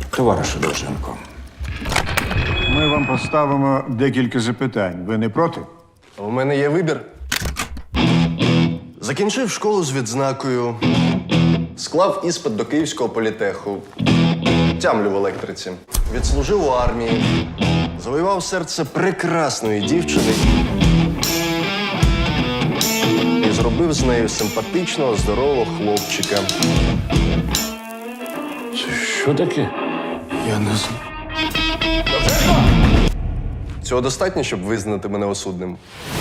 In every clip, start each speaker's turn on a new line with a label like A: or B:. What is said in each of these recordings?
A: Товаришу Довженко,
B: Ми вам поставимо декілька запитань. Ви не проти?
C: У мене є вибір. Закінчив школу з відзнакою, склав іспит до Київського політеху, тямлю в електриці, відслужив у армії, завоював серце прекрасної дівчини і зробив з нею симпатичного, здорового хлопчика.
A: що таке?
C: Я не знаю. Цього достатньо, щоб визнати мене осудним?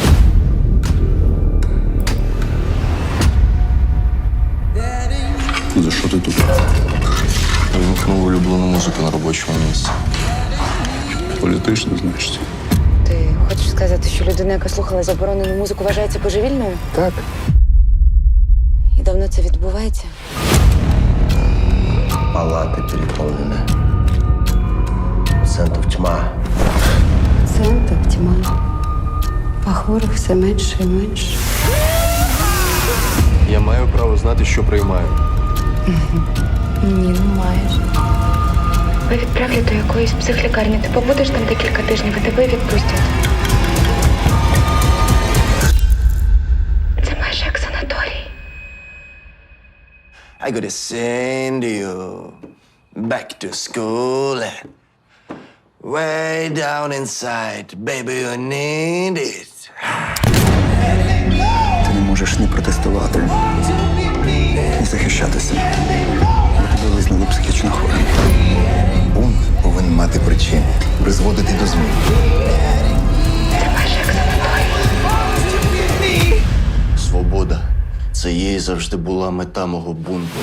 D: За що ти тут?
C: Вимкнув улюблену музику на робочому місці.
D: Політично, значить.
E: Ти хочеш сказати, що людина, яка слухала заборонену музику, вважається божевільною?
C: Так.
E: І давно це відбувається?
F: Палаты переполнены. Пациентов тьма.
E: Пацієнтів тьма. А хворих все менше і менше.
C: Я маю право знати, що приймаю.
E: Ні, не маєш.
G: Ви відправлять до якоїсь психлікарні. Ти побудеш там декілька тижнів і тебе відпустять. Це майже як санаторій.
F: I gotta send you back to school. Way down inside, baby, you need it.
D: Ти не можеш ні протестувати, ні захищатися. Бо тебе визнали психічно хворим. Бунт повинен мати причини, призводити до змін.
G: Це майже як санаторій.
F: Свобода. Це їй завжди була мета мого бунту.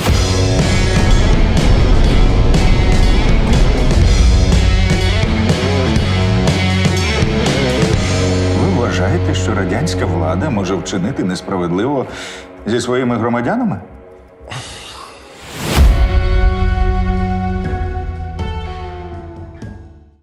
A: Ви вважаєте, що радянська влада може вчинити несправедливо зі своїми громадянами?